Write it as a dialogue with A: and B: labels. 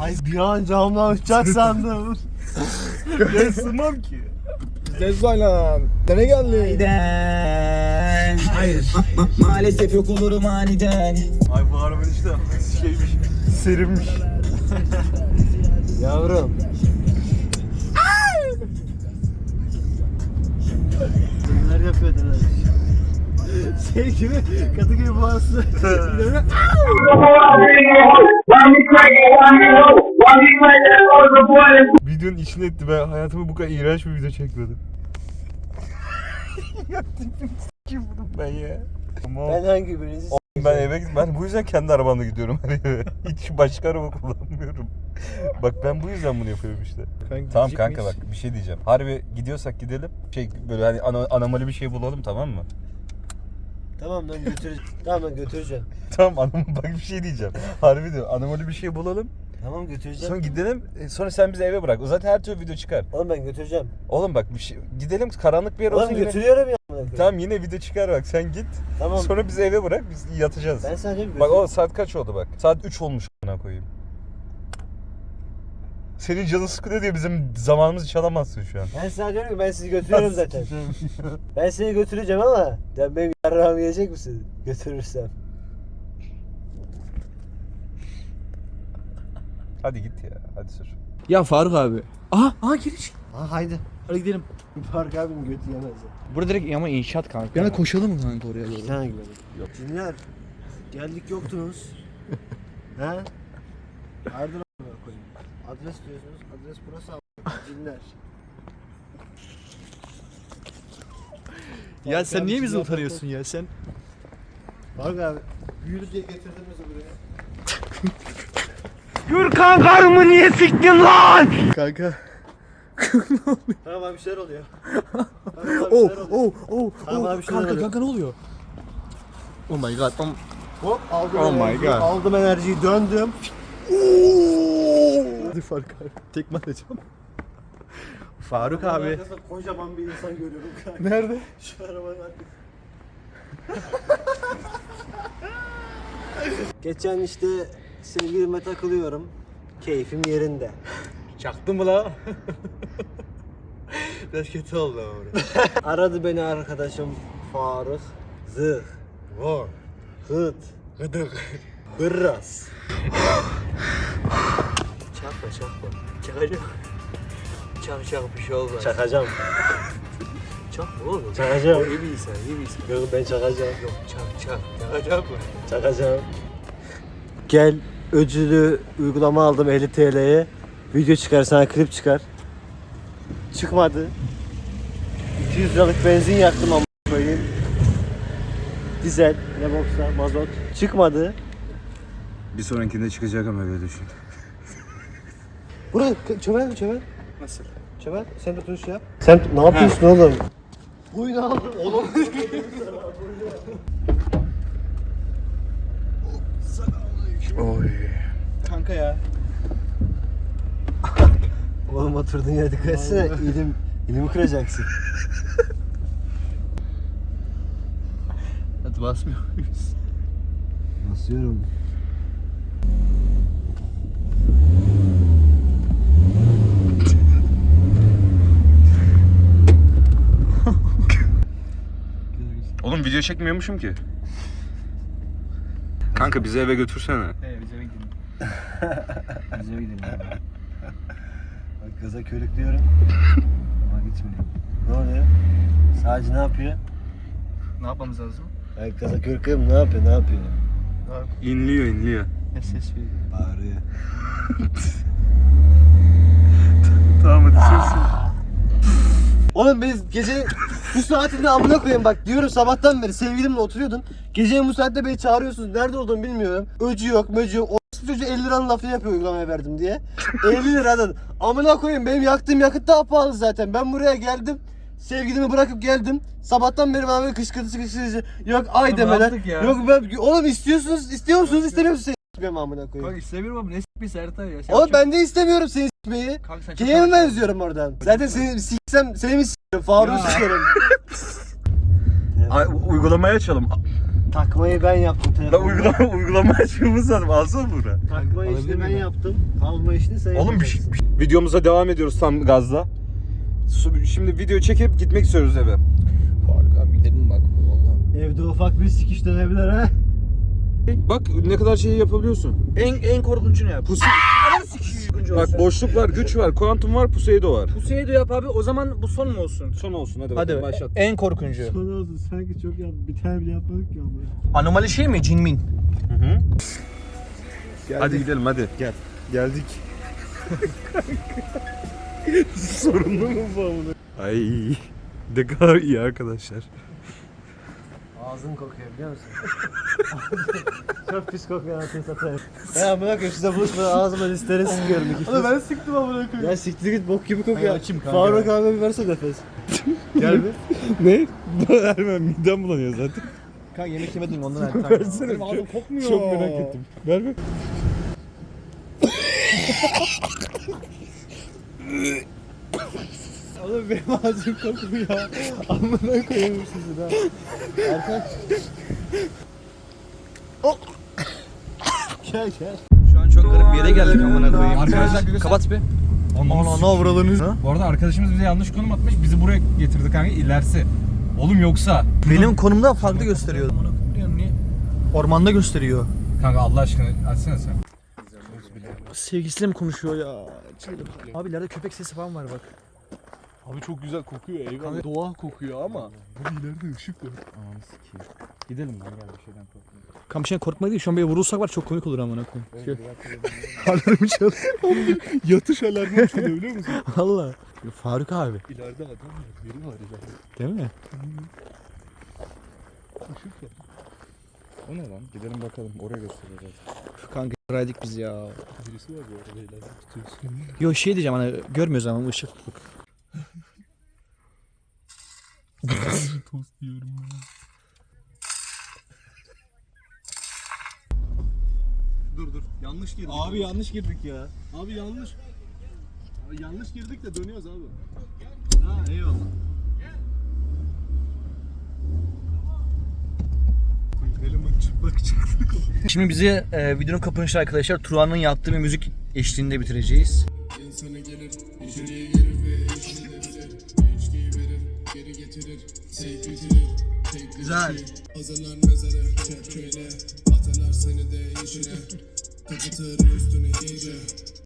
A: Ay bir an camdan uçacak sandım.
B: Ben sığmam ki. Zezzalan. Nereye geldin?
C: Aniden. Hayır. Maalesef yok olurum aniden.
B: Ay bu araba işte şeymiş. Serinmiş.
A: Yavrum. Neler yapıyordun abi? Şey gibi Kadıköy Boğazı.
B: Videonun içine etti. Ben hayatımda bu kadar iğrenç bir video çekmedim. Ya tipim s**kim bunu ben ya. Tamam.
A: Ben hangi birinizi
B: Ben eve ben bu yüzden kendi arabamla gidiyorum her yere. Hiç başka araba kullanmıyorum. Bak ben bu yüzden bunu yapıyorum işte. Tamam kanka bak bir şey diyeceğim. Harbi gidiyorsak gidelim. Böyle hani anomali bir şey bulalım, tamam mı?
A: Tamam lan götüreceğim. Tamam lan götüreceğim.
B: Tamam bak bir şey diyeceğim. Harbi diyor, anomali bir şey bulalım.
A: Tamam götüreceğim.
B: Sonra gidelim. Sonra sen bizi eve bırak. O zaten her türlü video çıkar.
A: Oğlum ben götüreceğim.
B: Oğlum bak bir şey gidelim, karanlık bir yer olsun.
A: Oğlum
B: yine...
A: götürüyorum ya.
B: Tamam yine video çıkar bak, sen git.
A: Tamam.
B: Sonra bizi eve bırak, biz yatacağız.
A: Ben sadece bir
B: Bak o saat kaç oldu bak. Saat 3 olmuş a**ına koyayım. Senin canın sıkılıyor diye bizim zamanımızı çalamazsın şu an.
A: Ben sana diyorum ki ben sizi götürüyorum zaten. Ben seni götüreceğim ama ya benim yarrağımı yiyecek misin? Götürürsem.
B: Hadi git ya, hadi sür.
D: Ya Faruk abi. Aha giriş.
A: Ha haydi.
D: Hadi gidelim.
A: Fark abinin götü yemez ya.
D: Burada direkt ama inşaat kanka. Yani koşalım mı kanka oraya doğru?
A: Sana güvenim. Yok. Cinler. Geldik yoktunuz. He? Hayırdır a**ına koyayım. Adres diyorsunuz. Adres burası a**ına. Cinler.
D: Ya sen niye bizi
A: Faruk abi,
D: utanıyorsun ya sen?
A: Fark abi. Büyülü diye getirdin bizi buraya.
C: Gürkan karımı niye siktin lan?
D: Kanka.
A: Tamam abi bir şeyler oluyor. Tamam abi bir şeyler oluyor. Tamam abi bir şeyler oluyor.
D: Kanka ne oluyor? Oh my god.
A: Hop aldım
D: Oh my
A: enerjiyi.
D: God.
A: Aldım enerjiyi döndüm.
D: Hadi Faruk abi. Tekme atacağım. Faruk abi.
A: Arkasında kocaman bir insan görüyorum kanka.
D: Nerede?
A: Şu arabanın arkasında. Geçen işte sevgilime takılıyorum. Keyfim yerinde.
D: Çaktın mı la? Biraz kötü oldu ama.
A: Aradı beni arkadaşım Faruk. Zıh.
D: Var.
A: Hıt.
D: Gıdık.
A: Hırras. Çakma.
D: Çakacak. Çak bir şey olmaz.
A: Çakacağım.
D: Çakma oğlum.
A: Çakacağım.
D: İyi bir insan, iyi bir insan.
A: Yok ben çakacağım.
D: Yok çak. Çakacak mı?
A: Çakacağım. Gel ödülü uygulama aldım 50 TL'ye. Video çıkar sana klip çıkar. Çıkmadı. 200 liralık benzin yaktım ama koyayım. Dizel, ne boksa, mazot. Çıkmadı.
B: Bir sonrakinde çıkacak ama öyle düşün.
A: Buraya çömel.
D: Nasıl?
A: Çömel sen de tuş yap. Sen ne yapıyorsun oğlum? Oyunu aldım oğlum.
B: Oy.
D: Kanka ya.
A: Oğlum oturduğun yere dikkat etsene. İlimi kıracaksın.
D: Hadi basmıyor muyuz?
A: Basıyorum.
B: Oğlum video çekmiyormuşum ki. Kanka bizi eve götürsene.
D: Bize gidelim. Bize gidelim.
A: Bak gaza körüklüyorum. Ama gitmiyor. Ne oluyor? Sadece ne yapıyor?
D: Ne yapmamız lazım?
A: Bak gaza körüklüyorum ne yapıyor?
B: İnliyor.
D: Ne ses veriyor?
A: Bağırıyor.
B: Tamam hadi sür.
A: Oğlum biz gece bu saatinde amına koyayım bak diyorum sabahtan beri sevgilimle oturuyordum. Gecenin bu saatte beni çağırıyorsunuz. Nerede olduğumu bilmiyorum. Öcü yok, möcü yok. O çocuğu 50 liranın lafını yapıyor uygulamaya verdim diye. 50 liradan. Amına koyayım benim yaktığım yakıt daha pahalı zaten. Ben buraya geldim. Sevgilimi bırakıp geldim. Sabahtan beri bana böyle kışkırtıcı. Yok ay
D: Oğlum
A: demeler.
D: yaptık ya.
A: Yok ben oğlum istiyor musunuz istemiyor musunuz? Ben amına koyayım.
D: Kanka istemiyorum ama ne s*** bir Sertay ya. Sen
A: Oğlum
D: çok-
A: ben de istemiyorum seni s**meyi.
D: Kanka sen çok
A: Kime mi
D: konuşuyorsun.
A: benziyorum oradan? Zaten seni mi s**erim? Faruk'u
D: Ya.
A: s**erim.
B: Uygulamayı açalım.
A: Takmayı ben yaptım
B: La
A: telefonu.
B: uygulama açmamız lazım. Alsana bura.
A: Takma işini ben yaptım. Alma işini sen
B: Oğlum
A: yapacaksın.
B: videomuza devam ediyoruz tam gazla. Şimdi video çekip gitmek istiyoruz eve.
D: Faruk abi gidelim bak. Vallahi.
A: Evde ufak bir sikiş dönebilir ha.
B: Bak ne kadar şey yapabiliyorsun.
D: En korkunçunu yap.
B: Bak boşluk var, güç var, kuantum var, Puseydo var.
D: Puseydo yap abi. O zaman bu son mu olsun?
B: Son olsun hadi
D: Hadi
B: bakalım başlat.
D: en korkuncu.
A: Son olsun sanki çok yaptım. Bir tane bile yapmadık ki ama.
D: Anomali şey mi? Cinmin.
B: Hadi gidelim hadi.
D: Gel. Geldik.
B: Sorunlu mu bu amına? Ay ne kadar iyi arkadaşlar.
A: Ağzın kokuyor biliyor musun? Çok pis kokuyor anasını satayım. Ben amına koyayım size buluşmadan ağzıma listerini sıkıyorum. Oğlum ben sıktım amına koyayım. Ya siktir git bok gibi kokuyor.
D: Açayım kanka.
A: Faruk abi bir verse nefes.
D: Gel bir.
B: Ne? Hemen midem bulanıyor zaten.
D: Kanka yemek yemedim ondan artık.
B: Versene.
D: Benim ağzım kokmuyor.
B: Çok merak ettim. Ver bir.
A: Oğlum benim ağzım kokuyor. Amına koyayım sizi ha. Erkan. Gel gel.
D: Şu an çok garip bir yere geldik amına koyayım.
E: Arkadaşlar
D: Kapat bir.
E: Ana
D: avradınız.
E: Bu arada arkadaşımız bize yanlış konum atmış. Bizi buraya getirdi kanka ilerisi. Oğlum yoksa.
D: Benim konumda farklı gösteriyor. Ormanda gösteriyor.
E: Kanka Allah aşkına açsana sen.
D: Sevgilisiyle mi konuşuyor ya? Abi ileride köpek sesi falan var bak.
F: Abi çok güzel kokuyor eyvallah. Doğa kokuyor ama bu ileride ışık var.
E: Gidelim lan gel bir şeyden korkma.
D: Kan bir şeyden korkma değil. Şu an bir vurulsak var çok komik olur amına koyayım. Alarm çalıyor.
F: Yatış alarmı çalıyor biliyor musun?
D: Valla. Faruk abi.
F: İleride adam var, biri var ileride.
D: Değil mi?
F: Işık var.
B: O ne lan? Gidelim bakalım oraya göstereceğiz.
D: Kanka raydık biz ya.
F: Birisi var bu arada ileride tutuyorsun.
D: Yo şey diyeceğim hani görmüyoruz ama ışık.
F: Tost yiyorum ya. Dur yanlış girdik.
A: Abi yanlış girdik ya.
F: Abi yanlış. Abi yanlış girdik de dönüyoruz abi.
A: Ha eyvallah.
F: Eleman çıplak çıktı.
D: Şimdi bizi videonun kapanışı arkadaşlar Turan'ın yaptığı bir müzik eşliğinde bitireceğiz.
G: İnsana gelir, içeriye girer ve içine verir. İçkiyi verir, geri getirir, sevk bitirir. Tek bir
D: Güzel.
G: şey, hazırlar mezarı, çöp köyle. Atarlar seni de içine, kapatır üstüne iyice.